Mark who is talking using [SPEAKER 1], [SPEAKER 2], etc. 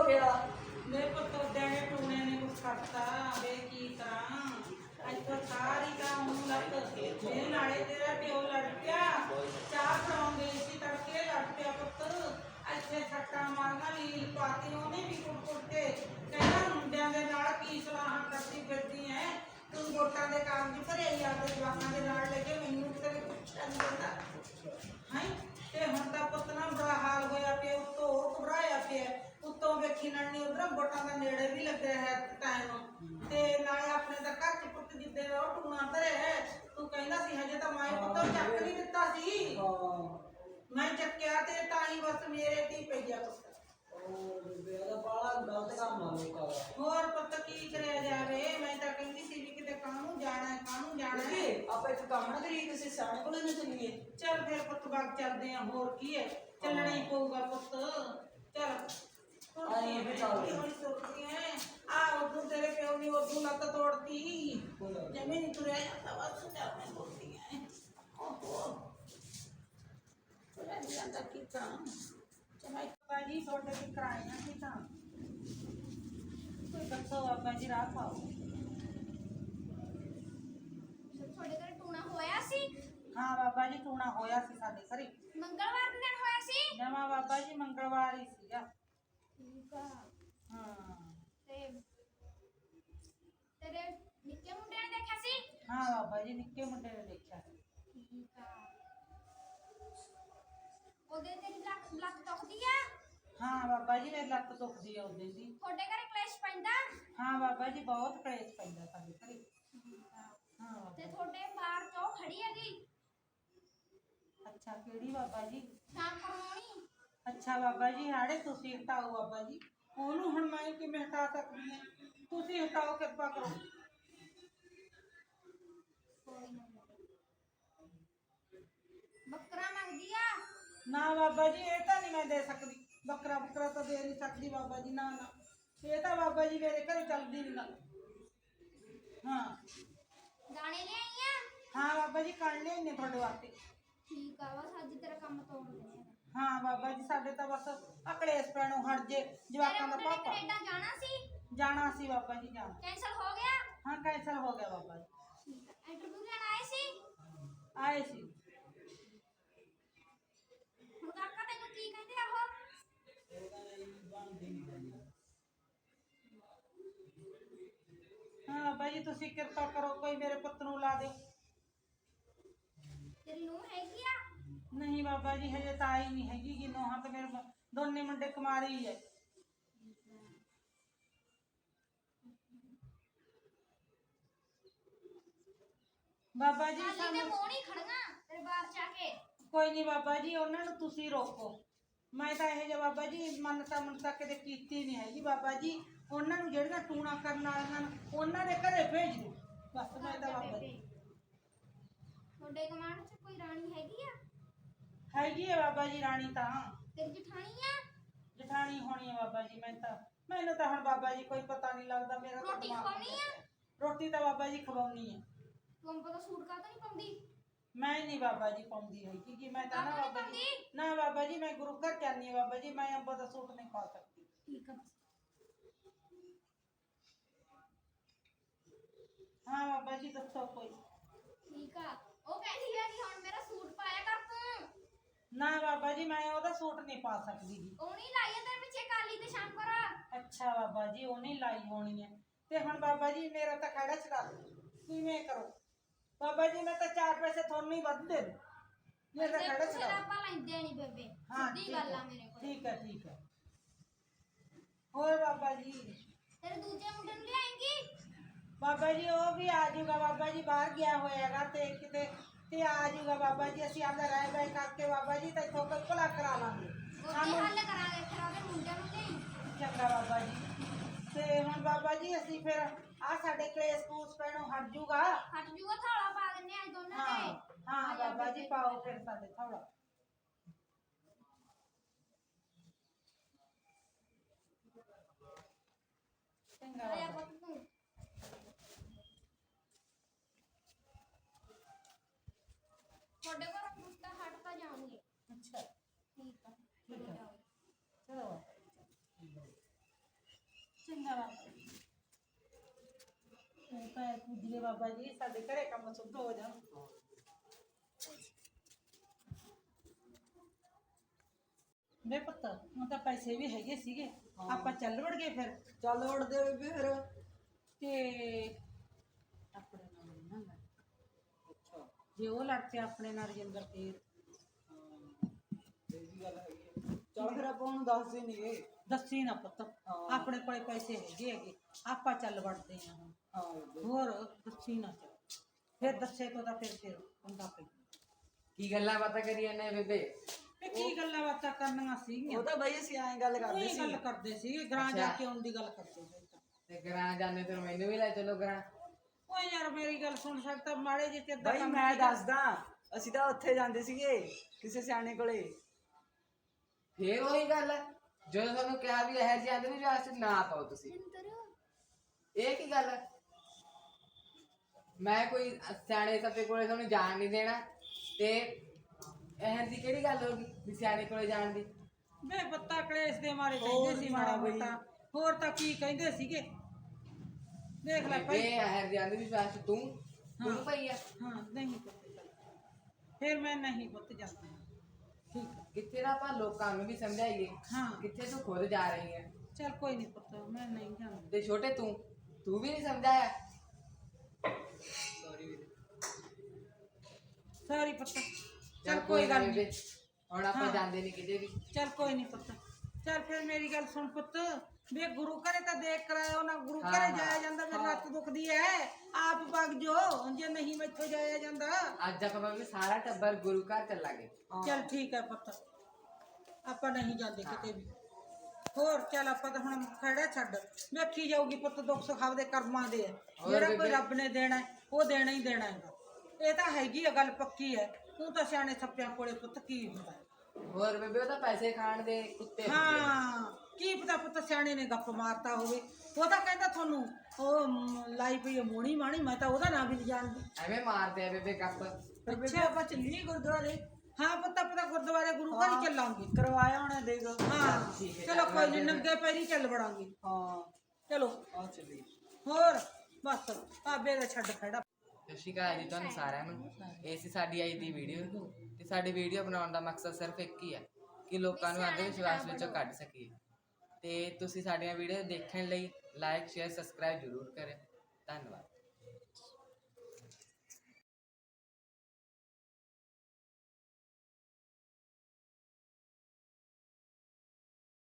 [SPEAKER 1] ਗਿਆ?
[SPEAKER 2] ਮੇਰੇ ਪੁੱਤ ਦੇਣੇ ਟੂਣੇ ਨੇ ਕੁਛ ਕਰਤਾ ਵੇ ਕੀ ਕਰਾਂ ਅੱਜ ਤਾਂ ਸਾਰੀ ਕੰਮ ਨੂੰ ਲੱਤ ਮੇਰੇ ਨਾਲੇ ਤੇਰਾ ਪਿਓ ਲੜ ਪਿਆ ਚਾਹ ਫੜਾਉਣ ਗਈ ਸੀ ਤੜਕੇ ਲੜ ਪਿਆ ਪੁੱਤ ਇੱਥੇ ਸੱਟਾਂ ਮਾਰਨਾ ਲੀਲ ਪਾਤੀ ਉਹਨੇ ਵੀ ਕੁੱਟ ਕੇ ਕਹਿੰਦਾ ਮੁੰਡਿਆਂ ਦੇ ਨਾਲ ਕੀ ਸਲਾਹਾਂ ਕਰਦੀ ਫਿਰਦੀ ਐ ਤੂੰ ਵੋਟਾਂ ਦੇ ਕਾਗਜ਼ ਭਰੇ ਹੀ ਆਪਦੇ ਜਵਾਕਾਂ ਦੇ ਨਾਲ ਲੈ ਕੇ ਮੈਨੂੰ ਤੇਰੇ ਪੁੱਛਿਆ ਨਹੀਂ ਦਿੰਦਾ ਹੈ ਤੇ ਹੁਣ ਤਾਂ ਪੁੱਤ ਨਾ ਬੁਰਾ ਹਾਲ ਹੋਇਆ ਪਿਆ ਉੱਤੋਂ ਉਹ ਘਬਰਾਇਆ ਪਿਆ ਉੱਤੋਂ ਵੇਖੀ ਨੜਨੀ ਉਧਰ ਵੋਟਾਂ ਦਾ ਨੇੜੇ ਵੀ ਲੱਗਿਆ ਹੈ ਟਾਈਮ ਤੇ ਨਾਲੇ ਆਪਣੇ ਦਾ ਘਰ ਚ ਪੁੱਤ ਜਿੱਦੇ ਉਹ ਟੂਣਾ ਧਰੇ ਹੈ ਤੂੰ ਕਹਿੰਦਾ ਸੀ ਹਜੇ ਤਾਂ ਮੈਂ ਪੁੱਤ ਚੱਕ ਨਹੀਂ ਦਿੱਤਾ ਸੀ ਮੈਂ ਚੱਕਿਆ ਤੇ ਤਾਂ ਹੀ ਬਸ ਮੇਰੇ ਤੇ ਹੀ ਪਈ ਗਿਆ ਪੁੱਤ ਹੋਰ ਪੁੱਤ ਕੀ ਕਰਿਆ ਜਾਵੇ ਮੈਂ ਤਾਂ ਕਹਿੰਦੀ ਸੀ ਵੀ ਕਿਤੇ ਕਾਹਨੂੰ ਜਾਣਾ ਹੈ
[SPEAKER 1] ਆਪਾਂ ਇੱਕ ਕੰਮ ਨਾ ਕਰੀਏ ਕਿਸੇ ਸਿਆਣੇ ਕੋਲੇ ਨਾ ਚੱਲੀਏ।
[SPEAKER 2] ਚੱਲ ਫਿਰ ਪੁੱਤ ਬਾਗ ਚੱਲਦੇ ਆ ਹੋਰ ਕੀ ਹੈ ਚੱਲਣਾ ਹੀ ਪਊਗਾ ਪੁੱਤ ਚੱਲ
[SPEAKER 1] ਆਏ ਵੀ ਚੱਲਦੇ
[SPEAKER 2] ਆ ਉਦੋਂ ਤੇਰੇ ਪਿਓ ਨੇ ਉਦੋਂ ਲੱਤ ਤੋੜਤੀ ਜਮੇ ਨਹੀਂ ਤੁਰਿਆ ਜਾਂਦਾ ਬਸ ਚੱਲ ਮੈਂ ਬੋਲਦੀ ਐ ਓਹੋ ਤੁਰਿਆ ਨਹੀਂ ਜਾਂਦਾ ਕੀ ਕਰਾਂ ਚਮਾਈ ਬਾਜੀ ਤੁਹਾਡੇ ਕੀ ਕਰਾਇਆ ਕੀ ਤਾਂ ਕੋਈ ਦੱਸੋ ਬਾਬਾ ਜੀ ਰਾਹ ਪਾਓ
[SPEAKER 3] ਤੁਹਾਡੇ ਘਰ ਟੂਣਾ ਹੋਇਆ ਸੀ?
[SPEAKER 2] ਹਾਂ ਬਾਬਾ ਜੀ ਟੂਣਾ ਹੋਇਆ ਸੀ ਸਾਡੇ ਘਰੇ
[SPEAKER 3] ਮੰਗਲਵਾਰ ਦੇ ਦਿਨ ਹੋਇਆ ਸੀ?
[SPEAKER 2] ਜਮਾ ਬਾਬਾ ਜੀ ਮੰਗਲਵਾਰ ਹੀ ਸੀਗਾ
[SPEAKER 3] ਠੀਕ ਆ।
[SPEAKER 2] ਹਾਂ
[SPEAKER 3] ਤੇ ਤੇਰੇ ਨਿੱਕੇ ਮੁੰਡੇ ਨੇ ਦੇਖਿਆ ਸੀ?
[SPEAKER 2] ਹਾਂ ਬਾਬਾ ਜੀ ਨਿੱਕੇ ਮੁੰਡੇ ਨੇ ਦੇਖਿਆ
[SPEAKER 3] ਠੀਕ ਆ। ਉਹਦੇ ਤੇਰੀ ਲੱਤ ਦੁਖਦੀ ਆ?
[SPEAKER 2] ਹਾਂ ਬਾਬਾ ਜੀ ਮੇਰੀ ਲੱਤ ਦੁਖਦੀ ਆ ਉਹਦੇ ਦੀ
[SPEAKER 3] ਤੁਹਾਡੇ ਘਰੇ ਕਲੇਸ਼ ਪੈਂਦਾ?
[SPEAKER 2] ਹਾਂ ਬਾਬਾ ਜੀ ਬਹੁਤ ਕਲੇਸ਼ ਪੈਂਦਾ ਸਾਡੇ ਘਰੇ ਹਾਂ
[SPEAKER 3] ਤੇ ਤੁਹਾਡੇ ਬਾਹਰ ਤੋਂ ਖੜੀ ਹੈਗੀ
[SPEAKER 2] ਅੱਛਾ ਕਿਹੜੀ ਬਾਬਾ ਜੀ
[SPEAKER 3] ਸ਼ਾਮ ਕਰਵਾਉਣੀ?
[SPEAKER 2] ਅੱਛਾ ਬਾਬਾ ਜੀ ਹਾੜੇ ਤੁਸੀਂ ਹਟਾਓ ਬਾਬਾ ਜੀ ਉਹਨੂੰ ਹੁਣ ਮੈਂ ਕਿਵੇਂ ਹਟਾ ਸਕਦੀ ਹਾਂ ਤੁਸੀਂ ਹਟਾਓ ਕਿਰਪਾ ਕਰੋ
[SPEAKER 3] ਬੱਕਰਾ ਮੰਗਦੀ ਆ?
[SPEAKER 2] ਨਾ ਬਾਬਾ ਜੀ ਇਹ ਤਾਂ ਨਹੀਂ ਮੈਂ ਦੇ ਸਕਦੀ ਬੱਕਰਾ ਤਾਂ ਦੇ ਨਹੀਂ ਸਕਦੀ ਬਾਬਾ ਜੀ ਨਾ ਇਹ ਤਾਂ ਬਾਬਾ ਜੀ ਮੇਰੇ ਘਰੇ ਚੱਲਦੀ ਨਹੀਂ ਗੱਲ ਹਾਂ
[SPEAKER 3] ਦਾਣੇ ਲਿਆਈ ਆ?
[SPEAKER 2] ਹਾਂ ਬਾਬਾ ਜੀ ਕੱਢ ਲਿਆਈਏ ਤੁਹਾਡੇ ਵਾਸਤੇ
[SPEAKER 3] ਠੀਕ ਆ ਬਸ ਅੱਜ ਤੇਰਾ ਕੰਮ ਤੋੜ ਦੇਣੇ ਆ।
[SPEAKER 2] ਹਾਂ ਬਾਬਾ ਜੀ ਸਾਡੇ ਤਾਂ ਬਸ ਅਕਲੇਸ਼ ਪੈਣੋਂ ਹਟ ਜੇ ਜਵਾਕਾਂ ਦਾ
[SPEAKER 3] ਤੇਰੇ ਮੁੰਡੇ ਨੇ
[SPEAKER 2] ਪਾਪਾ
[SPEAKER 3] ਕੈਨੇਡਾ ਜਾਣਾ ਸੀ?
[SPEAKER 2] ਜਾਣਾ ਸੀ ਬਾਬਾ ਜੀ ਜਾਣਾ
[SPEAKER 3] ਕੈਂਸਲ ਹੋ ਗਿਆ?
[SPEAKER 2] ਹਾਂ ਕੈਂਸਲ ਹੋ ਗਿਆ ਬਾਬਾ ਜੀ
[SPEAKER 3] ਇੰਟਰਵਿਊ ਲੈਣ ਆਏ ਸੀ?
[SPEAKER 2] ਆਏ ਸੀ
[SPEAKER 3] ਹੁਣ ਕਾਕਾ ਤੈਨੂੰ ਕੀ ਕਹਿੰਦੇ ਆ ਉਹ?
[SPEAKER 2] ਹਾਂ ਬਾਬਾ ਜੀ ਤੁਸੀਂ ਕਿਰਪਾ ਕਰੋ ਕੋਈ ਮੇਰੇ ਪੁੱਤ ਨੂੰ ਲਾ ਦਿਓ
[SPEAKER 3] ਤੇਰੀ ਨੂੰਹ ਹੈਗੀ ਆ?
[SPEAKER 2] ਨਹੀਂ ਬਾਬਾ ਜੀ ਹਜੇ ਤਾਂ ਆਈ ਨਹੀਂ ਹੈਗੀ ਕਿ ਨੋਹਾਂ ਤੇ ਮੇਰੇ ਦੋਨੇ ਮੁੰਡੇ ਕੁਮਾਰੀ ਹੈ ਬਾਬਾ ਜੀ
[SPEAKER 3] ਖਾਲੀ ਤੇ
[SPEAKER 2] ਸਾਨੂੰ
[SPEAKER 3] ਮੂੰਹ ਨਹੀਂ ਖੜਨਾ ਤੇਰੇ ਬਾਹਰ ਜਾ ਕੇ।
[SPEAKER 2] ਕੋਈ ਨਹੀਂ ਬਾਬਾ ਜੀ ਉਹਨਾਂ ਨੂੰ ਤੁਸੀਂ ਰੋਕੋ ਮੈਂ ਤਾਂ ਇਹ ਜਿਹਾ ਬਾਬਾ ਜੀ ਮੰਨਤਾ ਕਦੇ ਕੀਤੀ ਨਹੀਂ ਹੈਗੀ ਬਾਬਾ ਜੀ ਉਹਨਾਂ ਨੂੰ ਜਿਹੜੀਆਂ ਟੂਣਾ ਕਰਨ ਵਾਲੀਆਂ ਨੇ ਉਹਨਾਂ ਦੇ ਘਰੇ ਭੇਜ ਦਿਓ ਬਸ ਮੈਂ ਤਾਂ ਬਾਬਾ ਜੀ
[SPEAKER 3] ਤੁਹਾਡੇ ਗਮਾਂਡ 'ਚ ਕੋਈ ਰਾਣੀ ਹੈਗੀ ਆ?
[SPEAKER 2] ਹੈਗੀ ਹੈ ਬਾਬਾ ਜੀ ਰਾਣੀ ਤਾਂ
[SPEAKER 3] ਤੇਰੀ ਜਠਾਣੀ ਆ?
[SPEAKER 2] ਜਠਾਣੀ ਹੋਣੀ ਹੈ ਬਾਬਾ ਜੀ ਮੈਨੂੰ ਤਾਂ ਹੁਣ ਬਾਬਾ ਜੀ ਕੋਈ ਪਤਾ ਨਹੀਂ ਲੱਗਦਾ ਮੇਰਾ ਤਾਂ
[SPEAKER 3] ਰੋਟੀ
[SPEAKER 2] ਦਿਮਾਗ
[SPEAKER 3] ਖਵਾਉਣੀ ਆ?
[SPEAKER 2] ਰੋਟੀ ਤਾਂ ਬਾਬਾ ਜੀ ਖਵਾਉਣੀ ਹੈ
[SPEAKER 3] ਤੂੰ ਅੰਬ ਦਾ ਸੂਟ ਕਾਹਤੋਂ ਨਹੀਂ ਪਾਉਂਦੀ?
[SPEAKER 2] ਮੈਂ ਨਹੀਂ ਬਾਬਾ ਜੀ ਪਾਉਂਦੀ ਹੈਗੀ ਕਿ ਮੈਂ ਤਾਂ ਨਾ
[SPEAKER 3] ਕਾਹਤੋਂ
[SPEAKER 2] ਬਾਬਾ
[SPEAKER 3] ਨਹੀਂ
[SPEAKER 2] ਜੀ
[SPEAKER 3] ਪਾਉਂਦੀ?
[SPEAKER 2] ਨਾ ਬਾਬਾ ਜੀ ਮੈਂ ਗੁਰੂ ਘਰ ਜਾਂਦੀ ਹਾਂ ਬਾਬਾ ਜੀ ਮੈਂ ਅੰਬ ਦਾ ਸੂਟ ਨਹੀਂ ਪਾ ਸਕਦੀ
[SPEAKER 3] ਠੀਕ ਆ।
[SPEAKER 2] ਹਾਂ ਬਾਬਾ ਜੀ ਦੱਸੋ ਕੋਈ
[SPEAKER 3] ਠੀਕ ਆ। ਉਹ ਕਹਿੰਦੀ ਆ ਕਿ ਹੁਣ ਮੇਰਾ ਸੂਟ ਪਾਇਆ ਕਰ ਤੂੰ।
[SPEAKER 2] ਨਾ ਬਾਬਾ ਜੀ ਮੈਂ ਉਹਦਾ ਸੂਟ ਨਹੀਂ ਪਾ ਸਕਦੀ ਜੀ
[SPEAKER 3] ਉਹ ਨਹੀਂ ਲਾਈ ਆ ਤੇਰੇ ਪਿੱਛੇ ਕਾਲੀ ਤੇ ਸ਼ਾਮ ਕਰ।
[SPEAKER 2] ਅੱਛਾ ਬਾਬਾ ਜੀ ਉਹ ਨਹੀਂ ਲਾਈ ਹੋਣੀ ਹੈ ਤੇ ਹੁਣ ਬਾਬਾ ਜੀ ਮੇਰਾ ਤਾਂ ਖੜਾ ਛਡਾ ਦਿਓ ਕਿਵੇਂ ਕਰੋ ਬਾਬਾ ਜੀ ਮੈਂ ਤਾਂ 4 ਪੈਸੇ ਤੁਹਾਨੂੰ ਹੀ ਵੱਧ ਦੇ ਦੂੰ ਮੇਰਾ
[SPEAKER 3] ਤੇ
[SPEAKER 2] ਖੜਾ
[SPEAKER 3] ਪੁੱਛੇ
[SPEAKER 2] ਛਡਾ
[SPEAKER 3] ਆਪਾਂ ਲੈਂਦੇ ਨਹੀਂ ਬੇਬੇ
[SPEAKER 2] ਹਾਂ
[SPEAKER 3] ਸਿੱਧੀ ਗੱਲ ਆ ਮੇਰੇ ਕੋਲ।
[SPEAKER 2] ਠੀਕ ਹੈ ਹੋਰ ਬਾਬਾ ਜੀ
[SPEAKER 3] ਤੇਰੇ ਦੂਜੇ ਮੁੰਡੇ ਨੂੰ ਲਿਆਏਂਗੀ?
[SPEAKER 2] ਬਾਬਾ ਜੀ ਉਹ ਵੀ ਆ ਜਾਊਗਾ ਬਾਬਾ ਜੀ ਬਾਹਰ ਗਿਆ ਹੋਇਆਗਾ ਤੇ ਕਿਤੇ ਤੇ ਆ ਜਾਊਗਾ ਬਾਬਾ ਜੀ ਅਸੀਂ ਆਪਦਾ ਰਹਿ ਬੈ ਕਰਕੇ ਬਾਬਾ ਜੀ ਤਾਂ ਇੱਥੋਂ ਕੋਈ ਭਲਾ ਕਰਾ ਲਾਂਗੇ
[SPEAKER 3] ਉਹਦੇ ਹੱਲ ਕਰਾਂਗੇ ਫਿਰ ਉਹਦੇ ਮੁੰਡਿਆਂ ਨੂੰ ਲਿਆਈ।
[SPEAKER 2] ਚੰਗਾ ਬਾਬਾ ਜੀ ਤੇ ਹੁਣ ਬਾਬਾ ਜੀ ਅਸੀਂ ਫਿਰ ਆ ਸਾਡੇ ਕਲੇਸ਼ ਕੂਸ ਪੈਣੋਂ ਹਟ ਜਾਊਗਾ
[SPEAKER 3] ਹਟ ਜੂਗਾ ਥਾਲਾ ਪਾ ਦਿੰਨੇ ਆ ਦੋਨਾਂ
[SPEAKER 2] ਹਾਂ
[SPEAKER 3] ਦੇ।
[SPEAKER 2] ਹਾਂ ਬਾਬਾ ਜੀ ਪਾਓ ਫਿਰ ਸਾਡੇ ਥੋੜਾ ਚੰਗਾ
[SPEAKER 3] ਆਇਆ
[SPEAKER 2] ਬਾਬਾ
[SPEAKER 3] ਪੁੱਤ ਤੂੰ। ਤੁਹਾਡੇ ਘਰ ਕੁੱਤਾ ਹਟ ਤਾਂ ਜਾਣਗੇ।
[SPEAKER 2] ਅੱਛਾ
[SPEAKER 3] ਠੀਕ ਆ
[SPEAKER 2] ਠੀਕ
[SPEAKER 3] ਚਲੋ
[SPEAKER 2] ਹੈ
[SPEAKER 3] ਜਾਓ।
[SPEAKER 2] ਚਲੋ ਚਲਾ ਪੈ ਪੂਜੀਏ ਬਾਬਾ ਜੀ ਸਾਡੇ ਘਰੇ ਕੰਮ ਸੁੱਧ ਹੋ ਜਾਣ। ਵੇ ਪੁੱਤ ਹੁਣ ਤਾਂ ਪੈਸੇ ਵੀ ਹੈਗੇ ਸੀਗੇ, ਆਪਾਂ ਚੱਲ ਵੜ ਗਏ ਫਿਰ
[SPEAKER 1] ਚੱਲ ਉੜਦੇ ਬੇਬੇ ਫਿਰ।
[SPEAKER 2] ਤੇ ਆਪਣੇ ਨਾਲ ਨੀ ਨਾ ਲੜ।
[SPEAKER 1] ਅੱਛਾ
[SPEAKER 2] ਜੇ ਉਹ ਲੜ ਪਿਆ ਆਪਣੇ ਨਾਲ ਰਜਿੰਦਰ ਫੇਰ
[SPEAKER 1] ਇਹ ਵੀ ਗੱਲ ਹੈਗੀ ਹੈ। ਚੱਲ ਫਿਰ ਆਪਾਂ ਉਹਨੂੰ ਦੱਸਦੇ ਨਹੀਂਗੇ।
[SPEAKER 2] ਦੱਸੀ ਨਾ ਪੁੱਤ,
[SPEAKER 1] ਹਾਂ।
[SPEAKER 2] ਆਪਣੇ ਕੋਲੇ ਪੈਸੇ ਹੈਗੇ ਆਪਾਂ ਚੱਲ ਵੜਦੇ ਆ ਹੁਣ।
[SPEAKER 1] ਹਾਂ ਬੇਬੇ।
[SPEAKER 2] ਹੋਰ ਦੱਸੀ ਨਾ ਚੱਲ, ਫਿਰ ਦੱਸੇ ਤੋਂ ਤਾਂ ਫਿਰ ਪੰਗਾ ਪਈ।
[SPEAKER 4] ਕੀ ਗੱਲਾਂ ਬਾਤਾਂ ਕਰੀ ਜਾਂਦੇ ਬੇਬੇ?
[SPEAKER 2] ਇਹ ਕੀ ਗੱਲਾਂ ਬਾਤਾਂ ਕਰਨੀਆਂ ਸੀਗੀਆਂ?
[SPEAKER 1] ਉਹ ਤਾਂ ਬਈ ਅਸੀਂ ਐਂ ਗੱਲ ਕਰਦੇ
[SPEAKER 2] ਉਹੀ
[SPEAKER 1] ਸੀ।
[SPEAKER 2] ਗੱਲ ਕਰਦੇ ਸੀ, ਗਰਾਂ ਜਾ ਕੇ ਆਉਣ ਦੀ ਗੱਲ ਕਰਦੇ ਸੀ।
[SPEAKER 4] ਤੇ ਗਰਾਂ ਜਾਂਦੇ ਤੇ ਮੈਨੂੰ ਵੀ ਲੈ ਚਲੋ ਗਰਾਂ।
[SPEAKER 2] ਓਏ ਯਾਰ ਮੇਰੀ ਗੱਲ ਸੁਣ ਸਕਦਾ, ਮਾੜੇ ਜਿਹੇ ਤੇਰੇ ਦਾ
[SPEAKER 1] ਬਈ
[SPEAKER 2] ਕੰਮ
[SPEAKER 1] ਮੈਂ
[SPEAKER 2] ਸੀਗਾ।
[SPEAKER 1] ਦੱਸਦਾ, ਅਸੀਂ ਤਾਂ ਉੱਥੇ ਜਾਂਦੇ ਸੀਗੇ ਕਿਸੇ ਸਿਆਣੇ ਕੋਲੇ।
[SPEAKER 4] ਫੇਰ ਉਹੀ ਗੱਲ ਹੈ, ਜਦੋਂ ਤੁਹਾਨੂੰ ਕਿਹਾ ਵੀ ਇਹ ਜਿਹੇ ਅੰਧ ਵਿਸ਼ਵਾਸ ਚ ਨਾ ਪਾਓ ਤੁਸੀਂ। ਇਹ ਕੀ ਗੱਲ ਹੈ? ਮੈਂ ਕੋਈ ਸਿਆਣੇ ਸੱਪੇ ਕੋਲੇ ਤੁਹਾਨੂੰ ਜਾਣ ਨਹੀਂ ਦੇਣਾ, ਤੇ ਇਹ ਦੀ ਕਿਹੜੀ ਗੱਲ ਹੋ ਗਈ ਵੀ ਸਿਆਣੇ ਕੋਲੇ ਜਾਣ ਦੀ?
[SPEAKER 2] ਵੇ ਬੱਤਾ ਕਲੇਸ਼ ਦੇ ਮਾਰੇ
[SPEAKER 1] ਹੋਰ
[SPEAKER 2] ਕਹਿੰਦੇ ਸੀ ਮਾੜਾ
[SPEAKER 1] ਬਈ।
[SPEAKER 2] ਮੋਟਾ, ਹੋਰ ਤਾਂ ਕੀ ਕਹਿੰਦੇ ਸੀਗੇ। ਦੇਖ ਲੈ
[SPEAKER 4] ਬੇਬੇ
[SPEAKER 2] ਭਾਈ।
[SPEAKER 4] ਇਹ ਜਿਹੇ ਅੰਧ ਵਿਸ਼ਵਾਸ ਚ ਤੂੰ ਪਈ ਆ।
[SPEAKER 2] ਹਾਂ ਨਹੀਂ ਪੁੱਤ ਚੱਲ। ਫਿਰ ਮੈਂ ਨਹੀਂ ਪੁੱਤ ਜਾਂਦੀ। ਠੀਕ ਹੈ।
[SPEAKER 4] ਕਿੱਥੇ ਦਾ ਆਪਾਂ ਲੋਕਾਂ ਨੂੰ ਵੀ ਸਮਝਾਈਏ,
[SPEAKER 2] ਹਾਂ
[SPEAKER 4] ਕਿੱਥੇ ਤੂੰ ਖੁਦ ਜਾ ਰਹੀ ਹੈ।
[SPEAKER 2] ਚੱਲ ਕੋਈ ਨਹੀਂ ਪੁੱਤ, ਮੈਂ ਨਹੀਂ ਜਾਂਦੀ।
[SPEAKER 4] ਤੇ ਛੋਟੇ ਤੂੰ ਵੀ ਨਹੀਂ ਸਮਝਾਇਆ।
[SPEAKER 2] ਸਾਰੀ ਪੁੱਤ
[SPEAKER 4] ਚੱਲ
[SPEAKER 2] ਚੱਲ ਕੋਈ ਗੱਲ
[SPEAKER 4] ਬੇਬੇ,
[SPEAKER 2] ਨਹੀਂ।
[SPEAKER 4] ਹੁਣ ਆਪਾਂ
[SPEAKER 2] ਹਾਂ।
[SPEAKER 4] ਜਾਂਦੇ ਨਹੀਂ ਕਿਤੇ ਵੀ।
[SPEAKER 2] ਚੱਲ ਕੋਈ ਨਹੀਂ ਪੁੱਤ। ਚੱਲ ਫਿਰ ਮੇਰੀ ਗੱਲ ਸੁਣ ਪੁੱਤ, ਵੇ ਗੁਰੂ ਘਰੇ ਤਾਂ ਦੇਖ ਕਰਾਇਓ ਨਾ, ਗੁਰੂ
[SPEAKER 4] ਹਾਂ,
[SPEAKER 2] ਘਰੇ
[SPEAKER 4] ਹਾਂ।
[SPEAKER 2] ਜਾਇਆ ਜਾਂਦਾ, ਮੇਰੀ ਲੱਤ ਦੁਖਦੀ ਐ, ਆਪ ਵਗ ਜੋ ਜੇ ਨਹੀਂ ਮੈਥੋਂ ਜਾਇਆ ਜਾਂਦਾ।
[SPEAKER 4] ਅੱਜ ਆਪਾਂ ਵੀ ਸਾਰਾ ਟੱਬਰ ਗੁਰੂ ਘਰ ਚੱਲਾਂਗੇ।
[SPEAKER 2] ਚੱਲ ਠੀਕ ਹੈ ਪੁੱਤ, ਆਪਾਂ ਨਹੀਂ ਜਾਂਦੇ ਕਿਤੇ ਵੀ। ਹੋਰ ਚੱਲ ਆਪਾਂ ਤਾਂ ਹੁਣ ਖੜਾ ਛੱਡ, ਵੇਖੀ ਜਾਊਗੀ ਪੁੱਤ, ਦੁੱਖ ਸੁੱਖ ਆਪਦੇ ਕਰਮਾਂ ਦੇ ਹੈ,
[SPEAKER 4] ਹੋਰ
[SPEAKER 2] ਜਿਹੜਾ ਕੋਈ
[SPEAKER 4] ਬੇਬੇ।
[SPEAKER 2] ਰੱਬ ਨੇ ਦੇਣਾ ਹੈ, ਉਹ ਦੇਣਾ ਹੀ ਦੇਣਾ ਹੈਗਾ। ਇਹ ਤਾਂ ਹੈਗੀ ਆ ਗੱਲ ਪੱਕੀ ਹੈ। ਤੂੰ ਤਾਂ ਸਿਆਣੇ ਸੱਪਿਆਂ ਕੋਲੇ ਪੁੱਤ ਕੀ ਹੁੰਦਾ ਹੈ।
[SPEAKER 4] ਹੋਰ ਬੇਬੇ ਉਹ ਤਾਂ ਪੈਸੇ ਖਾਣ ਦੇ ਕੁੱਤੇ ਹੁੰਦੇ ਆ।
[SPEAKER 2] ਹਾਂ ਕੀ ਪਤਾ ਪੁੱਤ ਸਿਆਣੇ ਨੇ ਗੱਪ ਮਾਰਤਾ ਹੋਵੇ, ਉਹ ਤਾਂ ਕਹਿੰਦਾ ਤੁਹਾਨੂੰ ਉਹ ਲਾਈ ਪਈ ਹੈ ਮੋਣੀ ਮਾਣੀ, ਮੈਂ ਤਾਂ ਉਹਦਾ ਨਾਂ ਵੀ ਨਹੀਂ ਜਾਣਦੀ।
[SPEAKER 4] ਐਵੇਂ ਮਾਰਦੇ ਆ ਬੇਬੇ ਕੱਪ।
[SPEAKER 1] ਫਿਰ ਬੇਬੇ ਆਪਾਂ ਚੱਲੀਏ ਗੁਰਦੁਆਰੇ।
[SPEAKER 2] ਹਾਂ ਪੁੱਤ ਆਪਾਂ ਤਾਂ ਗੁਰਦੁਆਰੇ ਗੁਰੂ ਘਰ ਹੀ ਚੱਲਾਂਗੇ।
[SPEAKER 1] ਕਰਵਾਇਆ ਹੋਣਾ ਦੇਖ।
[SPEAKER 2] ਹਾਂ
[SPEAKER 4] ਠੀਕ ਹੈ,
[SPEAKER 2] ਚਲੋ
[SPEAKER 4] ਚੱਲ
[SPEAKER 2] ਕੋਈ ਨਹੀਂ,
[SPEAKER 4] ਵੜਦੇ
[SPEAKER 2] ਨੰਗੇ ਪੈਰੀ ਚੱਲ ਵੜਾਂਗੇ।
[SPEAKER 1] ਹਾਂ
[SPEAKER 2] ਚਲੋ
[SPEAKER 1] ਆ ਚੱਲੀ।
[SPEAKER 2] ਹੋਰ ਬਸ ਭਾਬੇ ਦਾ ਛੱਡ ਖੜਾ।
[SPEAKER 4] ਸਤਿ ਸ਼੍ਰੀ ਅਕਾਲ ਜੀ ਤੁਹਾਨੂੰ ਸਾਰਿਆਂ ਨੂੰ। ਇਹ ਸੀ ਸਾਡੀ ਅੱਜ ਦੀ ਵੀਡੀਓ, ਤੇ ਸਾਡੀ ਵੀਡੀਓ ਬਣਾਉਣ ਦਾ ਮਕਸਦ ਸਿਰਫ ਇੱਕ ਹੀ ਹੈ ਕਿ ਲੋਕਾਂ ਨੂੰ ਅੰਧ ਵਿਸ਼ਵਾਸ ਵਿੱਚੋਂ ਕੱਢ ਸਕੀਏ। ਤੇ ਤੁਸੀਂ ਸਾਡੀਆਂ ਵੀਡੀਓ ਦੇਖਣ ਲਈ ਲਾਈਕ ਸ਼ੇਅਰ ਸਬਸਕ੍ਰਾਈਬ ਜ਼ਰੂਰ ਕਰੇ। ਧੰਨਵਾਦ।